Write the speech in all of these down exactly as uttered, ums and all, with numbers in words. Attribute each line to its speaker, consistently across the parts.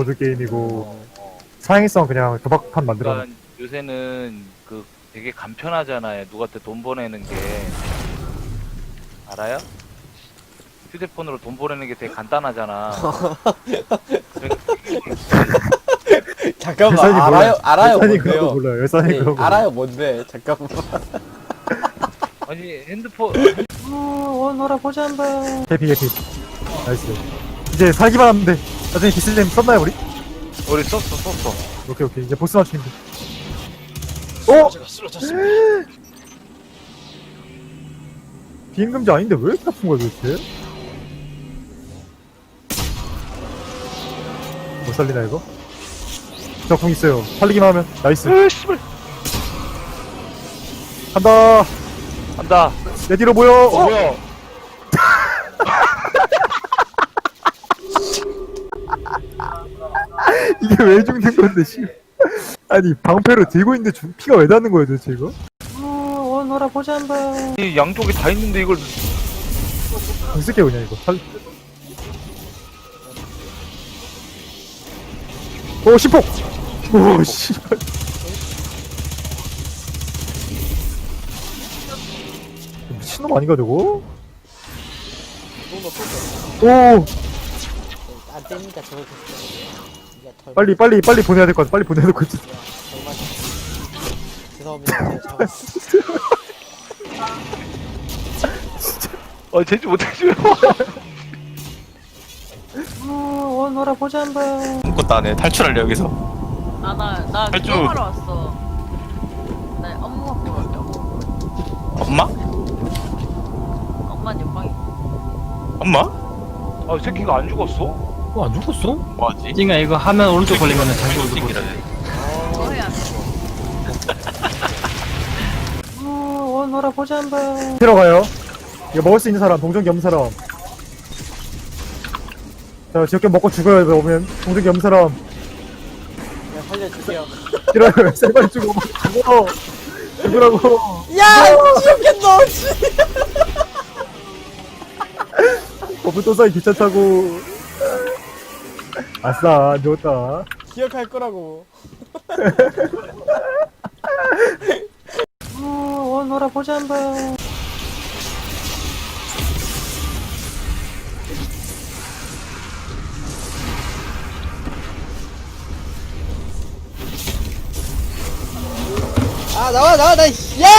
Speaker 1: 보드게임이고
Speaker 2: 어, 어.
Speaker 1: 사행성 그냥 도박판 만들어.
Speaker 2: 그러니까 요새는 그 되게 간편하잖아요. 누구한테 돈 보내는 게 알아요? 휴대폰으로 돈 보내는 게 되게 간단하잖아.
Speaker 3: 잠깐만
Speaker 1: 열산이
Speaker 3: 알아요
Speaker 1: 몰라요.
Speaker 3: 알아요
Speaker 1: 열산이 그런 거
Speaker 3: 뭔데요?
Speaker 1: 몰라요. 열산이
Speaker 3: 네,
Speaker 1: 그런 거.
Speaker 3: 알아요 뭔데 잠깐만.
Speaker 2: 아니 핸드폰
Speaker 3: 원호라 보자 한번.
Speaker 1: 해피 해피. 나이스. 이제 살기만 하면 돼. 나중에 기슬님 썼나요 우리?
Speaker 2: 우리 썼어 썼어.
Speaker 1: 오케이 오케이 이제 보스 맞추면 돼. 어?
Speaker 3: 제가 쓰러졌습니다.
Speaker 1: 비임금지 아닌데 왜 이렇게 아픈 거야 도대체? 못 살리나 이거? 저궁 있어요. 살리기만 하면 나이스.
Speaker 2: 으 씨발
Speaker 1: 간다.
Speaker 2: 간다.
Speaker 1: 내 뒤로 모여.
Speaker 2: 어,
Speaker 1: 어?
Speaker 2: 뭐야?
Speaker 1: 이게 왜 죽는 건데 씨. 아니 방패로 들고 있는데 주, 피가 왜 닿는 거야 도대체 이거?
Speaker 3: 원호라 보자 한번.
Speaker 2: 이 양쪽에 다 있는데 이걸
Speaker 1: 안 쓸게 그냥 이거. 살... 오 심폭. 오 씨발. 미친놈 아닌가 저거? 오
Speaker 3: 안 되니까 저걸 이게 털.
Speaker 1: 빨리 빨리 빨리 보내야 될 것 같아. 빨리 보내야 될 것 같아.
Speaker 3: 정말 죄송합니다. 제가 잡았.
Speaker 2: 어 제지 못해줘요.
Speaker 3: 원호라 보자 한번.
Speaker 4: 아무것도 안 해. 탈출할래 여기서.
Speaker 5: 아, 나, 나
Speaker 4: 탈주.
Speaker 5: 기도하러 왔어. 나 엄마 보러 왔어.
Speaker 4: 엄마?
Speaker 5: 엄마 옆방에.
Speaker 4: 엄마?
Speaker 2: 아, 이 새끼가 안 죽었어?
Speaker 6: 어, 안 죽었어?
Speaker 4: 뭐하지?
Speaker 6: 찡아 이거 하면 오른쪽 걸리면은 다시 오른쪽 걸리
Speaker 4: 새끼라네.
Speaker 5: 뭐 해야 돼?
Speaker 3: 원호라 보자 한번.
Speaker 1: 들어가요. 이거 먹을 수 있는 사람, 동전기 없는 사람. 자, 지역견 먹고 죽어요. 이거 오면 동전기 없는 사람.
Speaker 3: 네, 살려주세요.
Speaker 1: 이러요. 세 마리 죽어. 죽어. 죽으라고.
Speaker 3: 야 지옥견 넣었지.
Speaker 1: 버프 또 쌓이 기차 타고. 아싸, 안 죽었다.
Speaker 3: 기억할 거라고. 원호라 보자 한번. 아 나와 나와 나 씨. 야!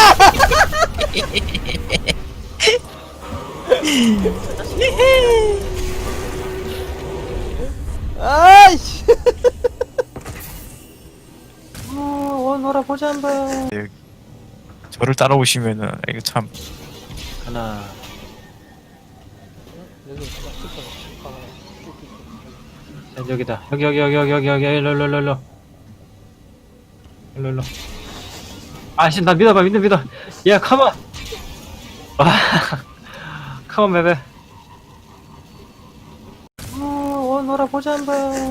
Speaker 3: 아이씨. 원호라 보자 한번.
Speaker 4: 저를 따라오시면은 이거 참
Speaker 6: 하나
Speaker 3: 여기
Speaker 6: 자, 여기다 여기 여기 여기 여기 여기 여기 일로 일로 일로 일로 일로 일로 아씨 나 믿어봐 믿어 믿어 야 컴온 와 컴온 베베
Speaker 3: 원호라 보자 한번.